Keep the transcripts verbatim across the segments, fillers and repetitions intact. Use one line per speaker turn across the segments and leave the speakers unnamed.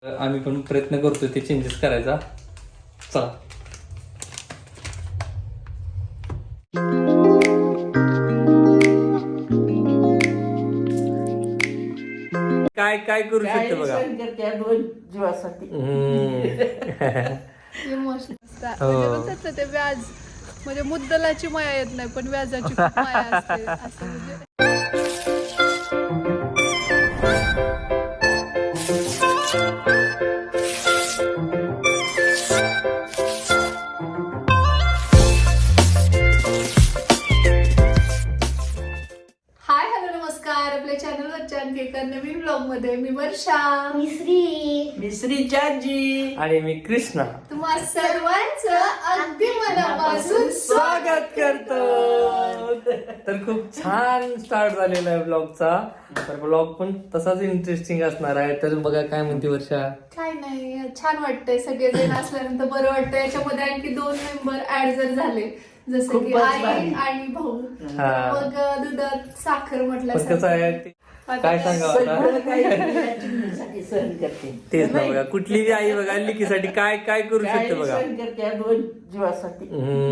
आम्ही पण प्रयत्न करतोय ते चेंजेस करायचा. चला. काय काय करू शकतो बघा.
दोन जीवासाठी
म्हणजे ते व्याज म्हणजे मुद्दलाची माया येत नाही पण व्याजाची खूप माया असते असं म्हणजे. हाय हॅलो नमस्कार. आपल्या चॅनलवरच्या आणखी एका नवीन ब्लॉग मध्ये मी वर्षा,
मिश्री मिश्री चाची
आणि मी कृष्णा
तुम्हा सर्वांचं अगदी मनापासून
स्वागत करतो. तर खूप छान स्टार्ट झालेला आहे ब्लॉगचा. तर ब्लॉग पण तसाच इंटरेस्टिंग असणार आहे. तर बघा काय म्हणते वर्षा.
काय नाही, छान वाटतंय सगळेजण असल्यानंतर बरं वाटतं. याच्यामध्ये आणखी दोन मेंबर ऍड जर झाले जसं की
खूपच
आई
भारी.
आणि भाऊ,
हा.
मग दुधात साखर म्हटलं
पण कसं आहे ते काय सांगावं आता.
सगळं काही चिमणीसाठी सहन करते.
तेच ना बघा, कुठली बी आई बघा लिकीसाठी काय काय करू
काय
शकते बघा.
सहन करते या दोन जीवासाठी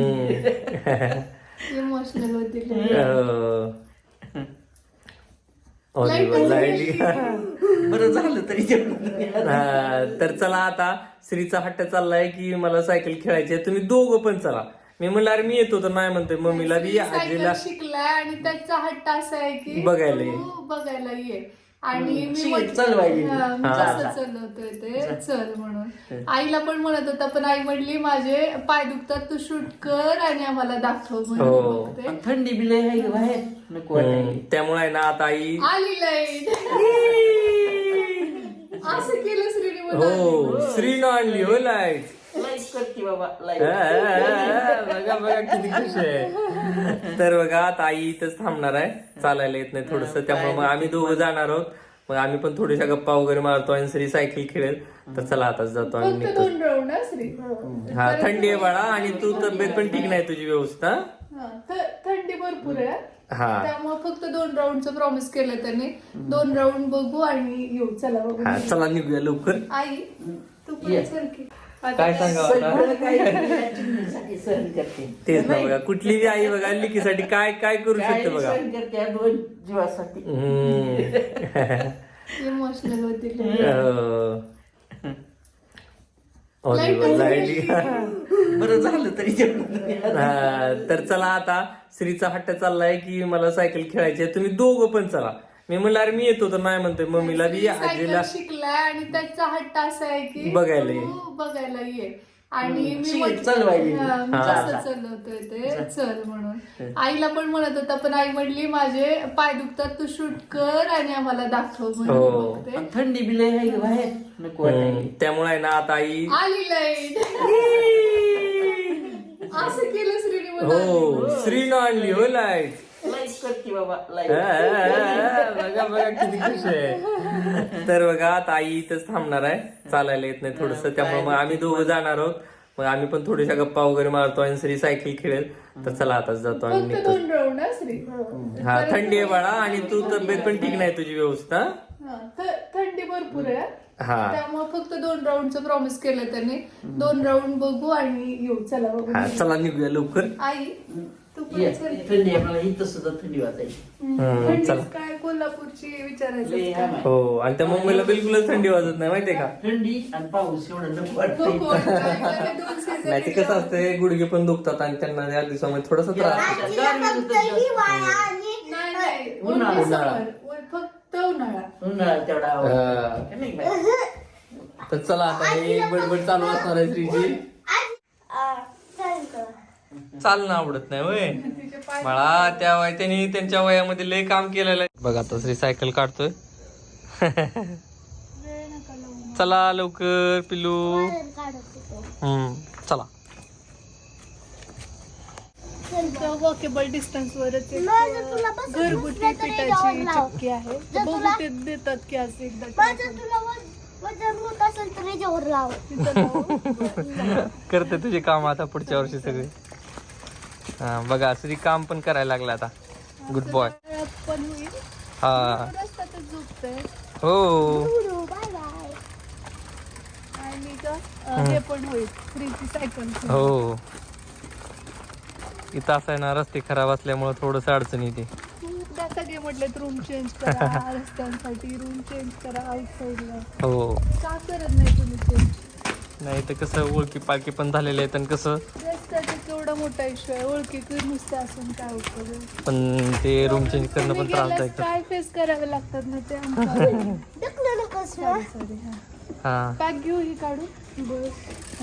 इमोशनल होती.
बरं झालं तरी जेवण.
हा, तर चला आता श्रीचा हट्ट चाललाय की मला सायकल खेळायची आहे, तुम्ही दोघं पण चला. मी म्हणलं अरे मी येतो तर नाही म्हणतोय मम्मीला बी आजीला
शिकलाय आणि त्याचा हट्ट असा आहे की
बघायला ये.
तू बघायला ये. आणि मी
शिक,
म्हटलं-
चलवायली.
हा, मी
हा.
कसं चालवतोय ते चल म्हणून. आईला पण म्हणत होता पण आई म्हणली माझे पाय दुखतात तू शूट कर आणि आम्हाला दाखव म्हणून.
हो.
मग ते
थंडी बिले आहे का बाहेर नको वाटायला.
त्यामुळे आहे ना आता आई
आली लाईट. असं केलं श्रीने
हो श्रीनं आणली हो लाईट.
लाईक करते बाबा लाईक.
बघा बघा किती खुश आहे. तर बघा आता आई इथंच थांबणार आहे, चालायला येत नाही थोडस, त्यामुळे मग आम्ही दोघं जाणार आहोत. मग आम्ही पण थोड्याशा गप्पा वगैरे मारतो आणि श्री सायकल खेळेल. तर चला आताच जातो आणि
फक्त
निघतो.
दोन राऊंड ना श्री.
हा थंडी आहे बाळा आणि तू तब्येत पण ठीक नाही तुझी व्यवस्था.
हा, थ- थंडी भरपूर आहे
हा
त्यामुळे फक्त दोन राऊंडचं प्रॉमिस केलं त्याने. दोन राऊंड बघू आणि येऊ. चला बघू.
हा चला निघूया लवकर.
आई तू पण
ये.
चल की.
काय सांगावं आता.
सगळं काही चिमणीसाठी सहन करते.
तेच ना बघा, कुठली बी आई बघा लिकीसाठी काय काय करू
काय
शकते बघा.
सहन करते या दोन जीवासाठी
इमोशनल होती.
लाईट.
बरं झालं तरी जेवण.
हा, तर चला आता श्रीचा हट्ट चाललाय की मला सायकल खेळायची आहे, तुम्ही दोघं पण चला. मी म्हणलं अरे मी येतो तर नाही म्हणतोय मम्मीला बी आजीला
सायकल शिकलाय आणि त्याचा हट्ट असा आहे की
बघायला ये.
तू बघायला ये. आणि मी
शिक,
म्हटलं-
चलवायली.
हा, मी
हा.
कसं चालवतोय ते चल म्हणून. आईला पण म्हणत होता पण आई म्हणली माझे पाय दुखतात तू शूट कर आणि आम्हाला दाखव म्हणून.
हो.
मग ते
थंडी बिले आहे का बाहेर नको वाटायला.
त्यामुळे आहे ना आता आई
आली लाईट. असं केलं श्रीने.
हो श्रीनं आणली हो लाईट.
लाईक करते बाबा लाईक.
बघा बघा किती खुश आहे. तर बघा आता आई इथंच थांबणार आहे, चालायला येत नाही थोडस, त्यामुळे मग आम्ही दोघं जाणार आहोत. मग आम्ही पण थोड्याशा गप्पा वगैरे मारतो आणि श्री सायकल खेळेल. तर चला आताच जातो आणि
फक्त
निघतो.
दोन राऊंड ना श्री.
हा थंडी आहे बाळा आणि तू तब्येत पण ठीक नाही तुझी व्यवस्था.
हा, थ- थंडी भरपूर आहे
हा
त्यामुळे फक्त दोन राऊंडचं प्रॉमिस केलं त्याने. दोन राऊंड बघू आणि येऊ. चला बघू.
हा चला निघूया लवकर.
आई तू पण
ये,
चल की.
थंडी आपल्याला इथं सुद्धा थंडी वाजायची.
हम्म,
थंडीच
चला.
काय कोल्हापूरची
लय
विचारायचं
आम आहे.
हो आणि त्या मुंबईला बिलकुलच थंडी वाजत नाही माहितीये का.
थंडी आणि पाऊस एवढं नको
नको
वाटतं.
वाटतं. दोन season
नाही ते कसं असते गुडघे पण दुखतात आणि त्यांना या दिवसामध्ये थोडासा त्रास.
नाही नाही
उन्हाळा,
only
उन्हाळा.
summer. व- फक्त उन्हाळा.
उन्हाळा तेवढा आवडतो.
हा.
नाही बाई.
तर चला आता हे बडबड चालू असणार आहे श्रीची. चालणं आवडत नाही वय
तिचे पाय
मला त्या वय त्यांनी त्यांच्या वयामध्ये लय काम केलेलं आहे. बघा आता श्री सायकल काढतोय.
वेळ नका लावू.
चला लवकर पिलू. हम्म चला.
वॉकेबल डिस्टन्स वरच एक, अ, घरगुती पिठाची चक्की आहे. तर बघू ते देतात की असं एकदा try करून. तिथं लावू.
करते तुझे काम आता पुढच्या वर्षी सगळे. हा बघा श्री काम पण करायला लागला आता. Good boy.
वेळात पण होईल.
हा
रस्त्यातच झोपतंय.
हो
मम्मीचं अं, हे पण होईल फ्रीची सायकल.
हो इथं असं आहे ना, रस्ते खराब असल्यामुळे थोडस अडचण येते.
खूपदा सगळे म्हटलेत रूम चेंज करा रस्त्यांसाठी, रूम चेंज करा आउटसाईडला.
हो
का करत नाही तुम्ही चेंज?
नाही तर कसं ओळखी पालखी पण झालेले आहेत आणि कसं
रस्त्याचा केवढा मोठा इश्यू आहे, ओळखी नुसतं असून काय उपयोग.
पण ते रूम चेंज करणं पण त्रासदायक.
काय फेस करावे लागतात ना ते आमच्या. सॉरी हा
हा
पॅक घेऊ ही काढून बस.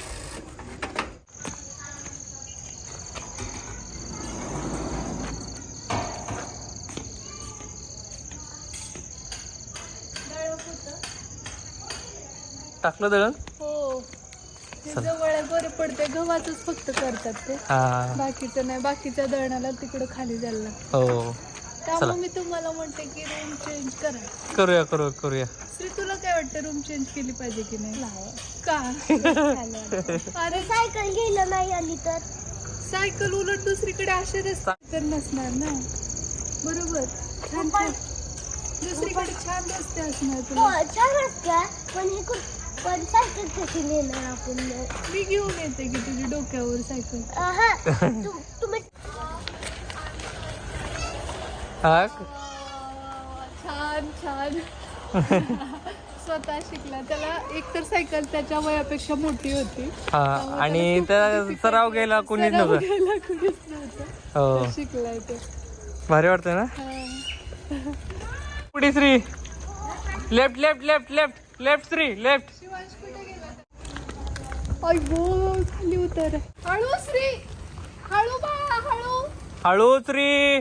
टाकलं दळण.
हो ते जवळ आहे, बरे पडते. गव्हाचंच फक्त करतात ते,
हा
बाकीचं नाही. बाकीच्या दळणाला तिकडं खाली जायला लागतं.
हो
त्यामुळे मी तुम्हाला म्हणते की रूम चेंज करा.
करूया करूया करूया.
श्री तुला काय वाटतं, रूम चेंज केली पाहिजे की नाही? का? अरे
सायकल गेलं नाही आली तर
सायकल उलट दुसरीकडे असे रस्ते तर नसणार ना, बरोबर? छान छान दुसरीकडे छान रस्ते असणार
हो
तुला.
छान असत्या, पण हे खूप पण सायकल कशी नेणार आपण?
मी घेऊन येते की तुझ्या डोक्यावर सायकल.
हा तु- तुम्ही
हा
छान छान स्वतः शिकला. त्याला एकतर सायकल त्याच्या वयापेक्षा मोठी होती.
हा आणि त्या सराव घ्यायला कोणीच
सराव
नव्हतं.
घ्यायला कोणीच नव्हतं.
हो
तर शिकलाय तो.
भारी वाटतंय ना.
हा.
पुढे श्री left left left left left श्री लेफ्ट.
शिवांश कुठे गेला? आई गो खाली उतर. हळू श्री, हळू बाळा हळू.
हळू श्री.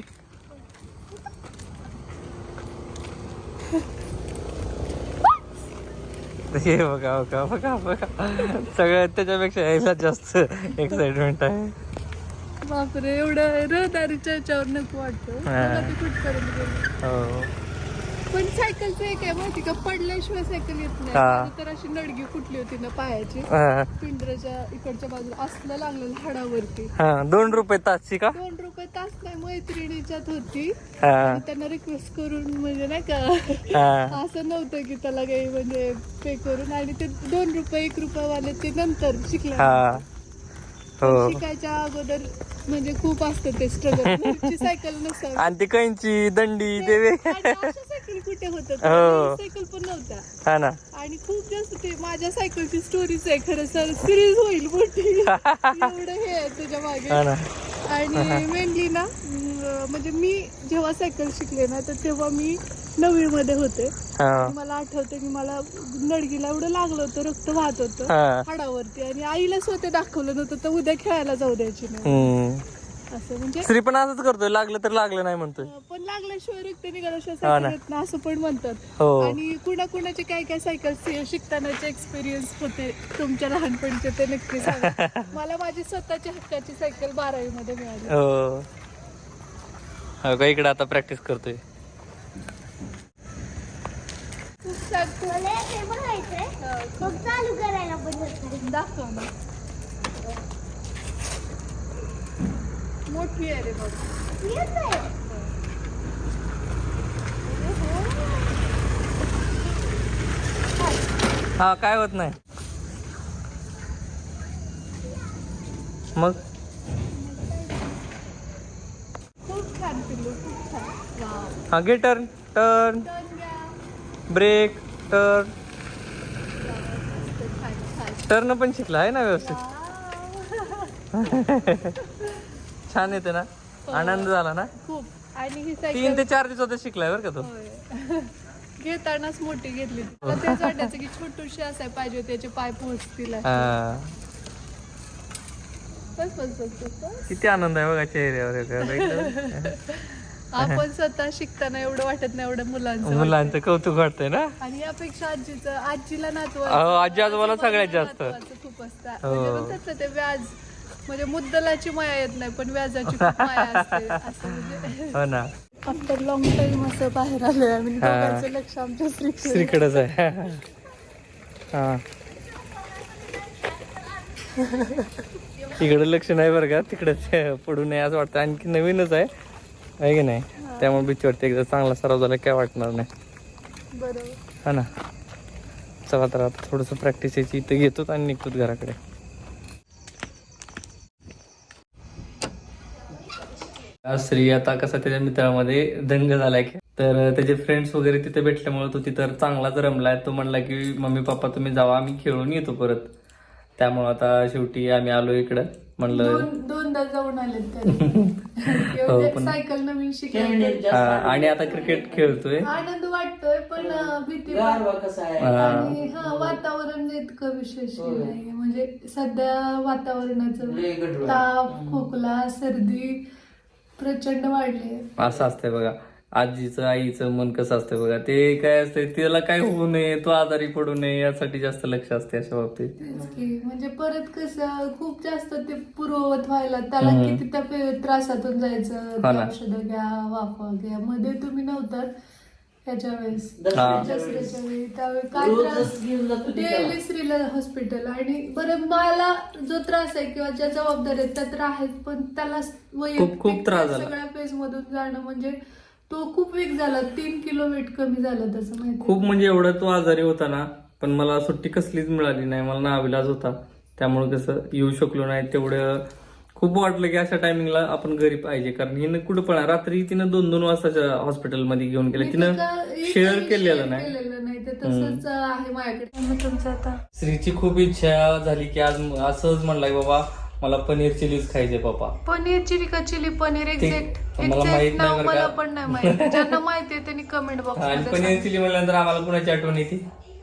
हे बघा बघा बघा बघा सगळ्यात त्याच्यापेक्षा यायला जास्त एक्साइटमेंट आहे.
बापरे एवढं रहदारीच्या याच्यावर नको वाटतं. बघा ते कुठपर्यंत गेलं.
हो
पण सायकलचं एक आहे माहिती का, पडल्याशिवाय सायकल येत नाही.
हा.
माझी तर अशी नडगी फुटली होती ना पायाची,
हा.
पिंजऱ्याच्या इकडच्या बाजूला असलं लागलेलं हाडावरती.
हा दोन रुपये तासची का.
दोन रुपये तास नाही, मैत्रिणीच्यात होती.
हा
आणि त्यांना रिक्वेस्ट करून म्हणजे नाही का
हा
असं नव्हतं की त्याला काही म्हणजे पे करून. आणि ते दोन रुपये एक रुपयावाले ते नंतर शिकला.
हा हो
शिकायच्या अगोदर म्हणजे खूप असतं ते स्ट्रगल. सायकल नसतं
आणि ती कैंची दंडी ते वे-
सायकल कुठे होत,
हो.
सायकल पण नव्हत्या.
हा ना.
आणि खूप जास्त ते माझ्या सायकलची स्टोरीच आहे खरं सर, सिरीज होईल मोठी. एवढं हे आहे तुझ्या
हा
मागे.
ना.
आणि मेनली ना अं, म्हणजे मी जेव्हा सायकल शिकले ना तर तेव्हा मी नववी मध्ये होते.
हा
मला आठवतं की मला नडगीला एवढं लागलं होतं, रक्त वाहत होतं
हा
हाडावरती. आणि आईला स्वतः दाखवलं नव्हतं तर उद्या खेळायला जाऊ द्यायची नाही
हम्म.
असं. म्हणजे
श्री पण असंच करतोय, लागलं तर लागलं नाही म्हणतोय.
पण लागल्याशिवाय रक्त निघाल्याशिवाय
हा
सायकल
ना.
येत नाही असं पण म्हणतात.
हो
आणि कुणा कुणाचे काय काय सायकल शिकतानाचे एक्सपिरियन्स होते तुमच्या लहानपणीचे ते नक्की सांगा. मला माझी स्वतःची हक्काची सायकल बारावी मध्ये मिळाली.
हो हो का, इकडे आता प्रॅक्टिस करतोय.
खूप सारखं
मला हे बघायचंय, मग चालू करायला पण नसतं.
दाखव ना. मोठी आहे रे बघ.
येत नाही.
हा काय होत नाही मग.
खूप छान पिल्लू, खूप छान. वाव.
हा घे टर्न टर्न
टर्न घ्या.
Brake turn.
छान, छान.
टर्न पण शिकला आहे ना व्यवस्थित.
वाव.
छान येते ना, आनंद झाला ना.
खूप. आणि ही
तीन
सायकल
ते चार दिवसात शिकलाय बरं का तो.
होय. घेतानाच मोठी घेतली. मला तेच वाटायचं की छोटूशी असाय पाहिजे, त्याचे पाय पोहोचतील अशी.
हा.
बस बस बस बस बस.
किती आनंद आहे बघा चेहऱ्यावर.
आपण स्वतः शिकताना एवढं वाटत नाही, एवढं मुलांचं
मुलांचं कौतुक वाटतंय ना.
वाटतं. आणि यापेक्षा आजीचं आजीला नातू
अहो, आजी आजोबाला सगळ्यात जास्त.
खूप असतं.
हो.
म्हणजे म्हणतात ना ते व्याज, म्हणजे मुद्दलाची माया येत नाही पण व्याजाची खूप माया असते असं. म्हणजे
हो ना.
आफ्टर लॉंग टाइम असं बाहेर आलोय आम्ही. दोघांचं लक्ष आमच्या स्त्रीकडे.
श्रीकडेच आहे. हा इकडे लक्ष नाही बरं का, तिकडेच पडू नये असं वाटतं. आणखी नवीनच आहे आहे की नाही, त्यामुळे भीती वाटते. एकदा चांगला सराव झाला काय वाटणार नाही.
बरोबर.
हा ना. चला तर आता थोडंसं प्रॅक्टिस यायची इथं घेतो आणि निघतो घराकडे. श्री आता कसा त्याच्या मित्रामध्ये दंग झालाय की तर त्याचे फ्रेंड्स वगैरे तिथे भेटल्यामुळे तो तिथं चांगलाच रमलाय. तो म्हणला की मम्मी पप्पा तुम्ही जावा आम्ही खेळून येतो परत. त्यामुळे आता शेवटी आम्ही आलो इकडं म्हणलं
दोन दोनदा जाऊन आले सायकल नवीन शिकायला
आणि आता क्रिकेट खेळतोय.
आनंद वाटतोय पण भीती
गारवा कसा आहे
आणि हा वातावरण इतकं विशेष नाही म्हणजे सध्या वातावरणाचं ताप खोकला सर्दी प्रचंड वाढले.
असं असतंय बघा आजीचं आईचं मन कसं असतं बघा. ते काय असतंय त्याला काय होऊ नये तो आजारी पडू नये यासाठी जास्त लक्ष असते अशा बाबतीत.
तेच की म्हणजे परत कसं खूप जास्त ते पूर्ववत व्हायला त्याला किती त्या पे- त्रासातून जायचं औषधं घ्या वाफा घ्या. मध्ये तुम्ही नव्हतात त्याच्या वेळेस दसऱ्याच्या वेळी त्यावेळी काय त्रास डेली श्रीला हॉस्पिटल आणि बरं मला जो त्रास आहे किंवा ज्या जबाबदारी आहेत त्या तर आहेत पण त्याला
खूप- खूप त्रास झाला.
सगळ्या फेज मधून जाणं म्हणजे तो खूप वीक झाला. तीन किलो वेट कमी झालं त्याचं माहिती
खूप म्हणजे एवढा तो आजारी होता ना पण मला सुट्टी कसलीच मिळाली नाही. मला नाविलाज होता त्यामुळे कसं येऊ शकलो नाही. तेवढं खूप वाटलं की अशा टायमिंगला आपण घरी पाहिजे कारण हिनं कुठं पण रात्री तिनं दोन दोन वाजताच्या हॉस्पिटलमध्ये घेऊन गेले. तिनं शेअर केलेलं नाही.
नाही ते तसंच आहे माझ्याकडे. तुमचं आता
श्रीची खूप इच्छा झाली की आज असंच म्हणलाय बाबा मला पनीर चिलीज खायचे पप्पा.
पनीर चिली का चिली पनीर एक्झॅक्ट
मला माहित नाही बरं
मला
का.
पण नाही माहिती. ज्यांना माहिती आहे त्यांनी कमेंट बॉक्स
आणि पनीर चिली म्हणल्यानंतर आम्हाला कुणाची आठवण येते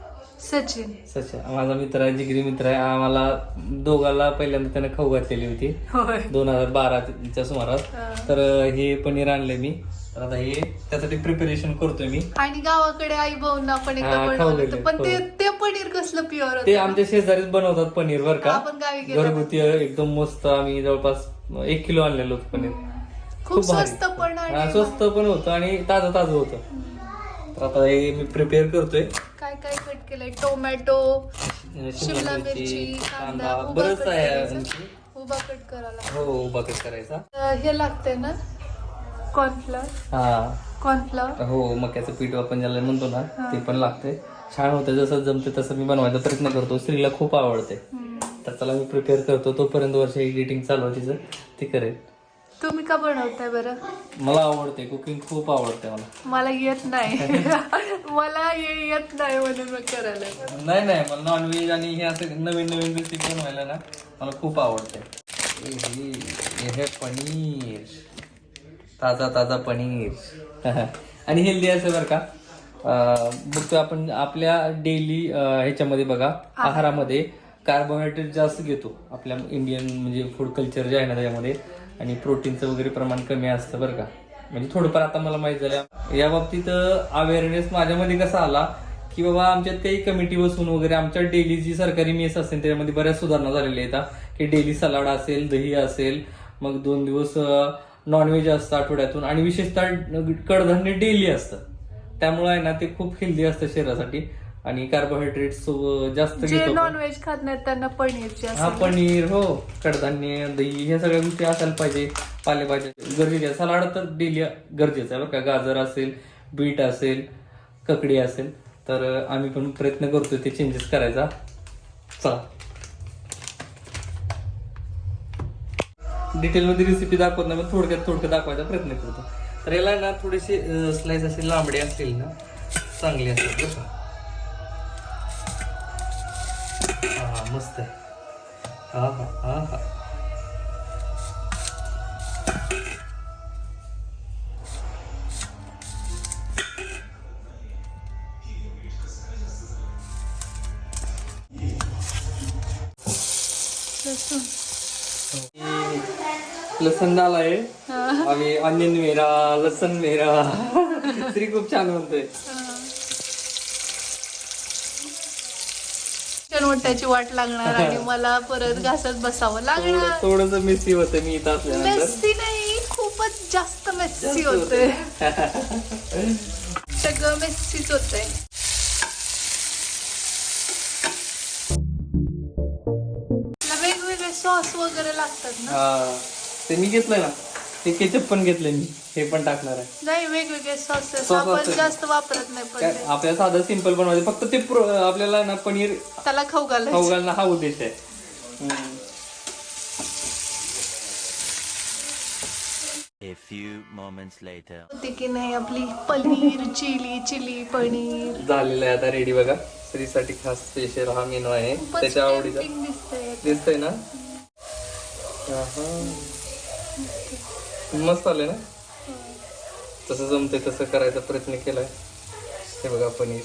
सचिन
सचा माझा मित्र आहे जिगरी मित्र आहे. आम्हाला दोघाला पहिल्यांदा त्याने खाऊ घातलेली होती
होय
दोन हजार बाराच्या सुमारास. तर हे पनीर आणले मी तर आता हे त्यासाठी प्रिपरेशन करतोय मी.
आणि गावाकडे आई भाऊंना पण एकदा
हा, खाऊ
बनवलं
गेले.
होतं. पण ते
हो.
ते पनीर कसलं प्युअर
ते
होतं
आमच्या शेजारीच बनवतात पनीर बर का.
आपण गावी गेलो
घरगुती एकदम मस्त. आम्ही जवळपास एक किलो आणलेलं होतं पनीर.
खूप
भारी.
स्वस्त पण
हा,
आणि
स्वस्त पण होतं आणि ताजं ताजं होतं. तर आता हे मी प्रिपेअर करतोय.
काय काय कट केलंय टोमॅटो शिमला मिरची कांदा उभा
बरंच
कट
आहे
करायचा.
आणखी.
उभा कट करायला
हो उभा कट करायचा.
अं, हे लागतंय ना कॉर्नफ्लॉवर
हा
कॉर्नफ्लॉवर
हो मक्याचं पीठ आपण ज्याला म्हणतो ना ते पण लागते. छान होतं जसं जमते तसं मी बनवायचा प्रयत्न करतो. स्त्रीला खूप आवडते तर त्याला मी प्रिपेअर करतो. तोपर्यंत वर्ष एडिटिंग चालू आहे तिचं ती करेल.
तुम्ही का बनवताय बरं?
मला आवडते कुकिंग खूप आवडते मला.
मला येत नाही मला हे येत नाही म्हणून मग करायला.
नाही नाही मला नॉनव्हेज आणि हे असं नवीन नवीन रेसिपी बनवायला ना मला खूप आवडते. हे हे पनीर ताजा ताजा पनीर आणि हेल्दी असं बरं का. बघतो आपण आपल्या डेली ह्याच्यामध्ये बघा आहारामध्ये कार्बोहायड्रेट जास्त घेतो आपल्या इंडियन म्हणजे फूड कल्चर जे आहे ना त्याच्यामध्ये आणि प्रोटीनचं वगैरे प्रमाण कमी असतं बरं का. म्हणजे थोडंफार आता मला माहित झालं या बाबतीत अवेअरनेस माझ्यामध्ये कसा आला की बाबा आमच्यात काही कमिटी बसून वगैरे आमच्या डेली जी सरकारी मेस असेल त्याच्यामध्ये बऱ्याच सुधारणा झालेल्या आहेत की डेली सलाड असेल दही असेल मग दोन दिवस नॉनव्हेज असतं आठवड्यातून आणि विशेषतः कडधान्य डेली असतं. त्यामुळे आहे ना ते खूप हेल्दी असतं शरीरासाठी आणि कार्बोहायड्रेट्स जास्त
जे
घेतो.
नॉनव्हेज खात नाहीत त्यांना पनीरची
हा
असेल.
पनीर हो कडधान्य दही ह्या सगळ्या गोष्टी असायला पाहिजे. पालेभाज्या गरजेच्या सलाड तर डेली गरजेचं आहे बरं का. गाजर असेल बीट असेल ककडी असेल तर आम्ही पण प्रयत्न करतोय ते चेंजेस करायचा. चला डिटेलमध्ये रेसिपी दाखवत नाही पण थोडक्यात थोडक्यात दाखवायचा प्रयत्न करतो. तर याला ना थोडेसे स्लाइस असे लांबडे असतील ना चांगले असतील बरं का. हा मस्त आहे. हा हा हा हा लसण झालाय आम्ही ऑनियन मेरा लसण मेरा तरी खूप छान म्हणतोय.
मोठ्याची वाट लागणार आणि मला परत घासत बसावं लागणार.
थोडस मेसी होतं मी इथं असल्यानंतर.
मेस्सी नाही खूपच जास्त मेस्सी होतंय सगळं मेस्सीच होतंय. वेगवेगळे सॉस वगैरे लागतात ना.
हा ते मी घेतलंय ना ते केचप पण घेतले मी, हे पण टाकणार आहे.
नाही वेगवेगळे सॉसेस
Sauce
आपण
असतात.
जास्त वापरत नाही पण
काय
ते.
आपल्याला साधं सिंपल बनवायचं, फक्त ते प्रो- आपल्याला ना पनीर
त्याला खाऊ घालायचं.
खाऊ घालणं हा उद्देश आहे. हम्म.
A few moments later.
होती की नाही आपली पनीर चिली चिली पनीर.
झालेलं आहे आता रेडी बघा. स्त्रीसाठी खास स्पेशल हा मेनू आहे,
खूपच
त्याच्या आवडीचा.
tempting दिसतंय.
दिसतंय ना. आहा. मस्त आले ना. तसं जमतंय तसं करायचा प्रयत्न केलाय. हे बघा पनीर.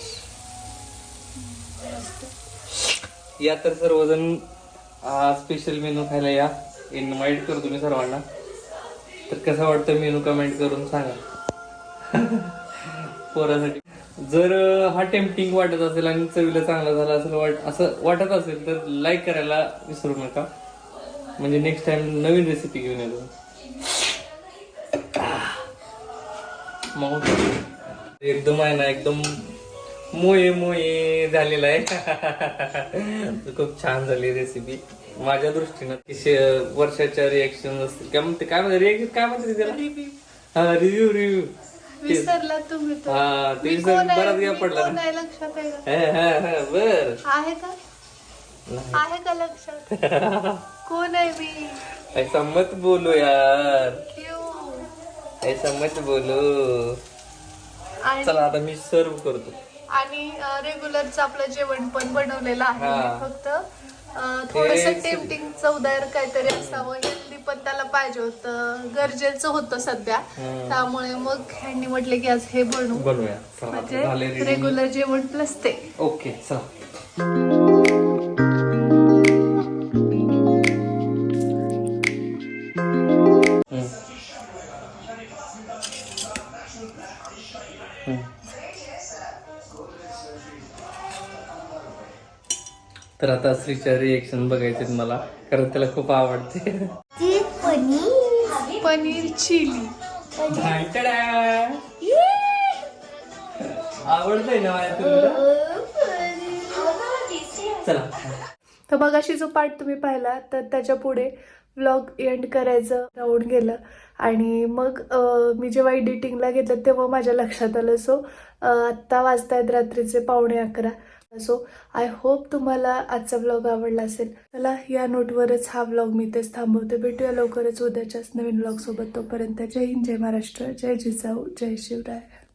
या तर सर्वजण हा स्पेशल मेनू खायला या. इन्व्हाइट करतो मी सर्वांना. तर कसं वाटतं मेनू कमेंट करून सांगा. पोरासाठी जर हा टेम्पटिंग वाटत असेल आणि चवीला चांगला झाला असेल वाट असं वाटत असेल तर लाईक करायला विसरू नका. म्हणजे नेक्स्ट टाइम नवीन रेसिपी घेऊन येतो. मग एकदम आहे ना एकदम मोये मोये झालेला आहे. खूप छान झाली रेसिपी माझ्या दृष्टीनं. वर्षाच्या रिएक्शन असतील काय म्हणते, काय म्हणते रिएक्शन काय म्हणते त्याला.
Review.
हा रिव्ह्यू रिव्ह्यू
विसरला तुम्ही तर.
हा ते
मी
विसर-
कोण आहे?
बराच घ्या
मी
पडला
कोण
ना.
आहे लक्षात आहे का?
हा, हा, हा, बर
आहे का आहे का लक्षात? कोण आहे मी?
ऐसा मत बोलो यार,
क्यों?
ऐसा मत बोलो.
आणि
चला आता मी सर्व करतो.
आणि रेग्युलरचं आपलं जेवण पण बनवलेलं आहे.
हा.
फक्त थोडस
हे-
टेम्पटिंग चवदार काहीतरी असावं, हेल्दी पण त्याला पाहिजे होतं, गरजेचं होतं सध्या. त्यामुळे मग ह्यांनी म्हटले की आज हे बनवू,
बनवूया. चला आता झाले
म्हणजे
ready.
रेग्युलर जेवण प्लस ते.
ओके चला. हम्म. हम्म. तर आता श्रीच्या रिएक्शन बघायचे मला, कारण त्याला खूप आवडते.
ती पनीर
पनीर चिली
आवडतंय ना माझ्या तुला. चला.
तर मगाशी जो पार्ट तुम्ही पाहिला तर त्याच्या पुढे व्लॉग एंड करायचं राहून गेलं. आणि मग अं, मी जेव्हा एडिटिंगला घेतलं तेव्हा माझ्या लक्षात आलं. सो आत्ता वाजतायत रात्रीचे पावणे अकरा. सो आय होप तुम्हाला आजचा व्लॉग आवडला असेल. चला या नोटवरच हा व्लॉग मी तेच थांबवते. भेटूया लवकरच उद्याच्याच नवीन व्लॉग सोबत. तोपर्यंत जय हिंद, जय महाराष्ट्र, जय जिजाऊ, जय शिवराय.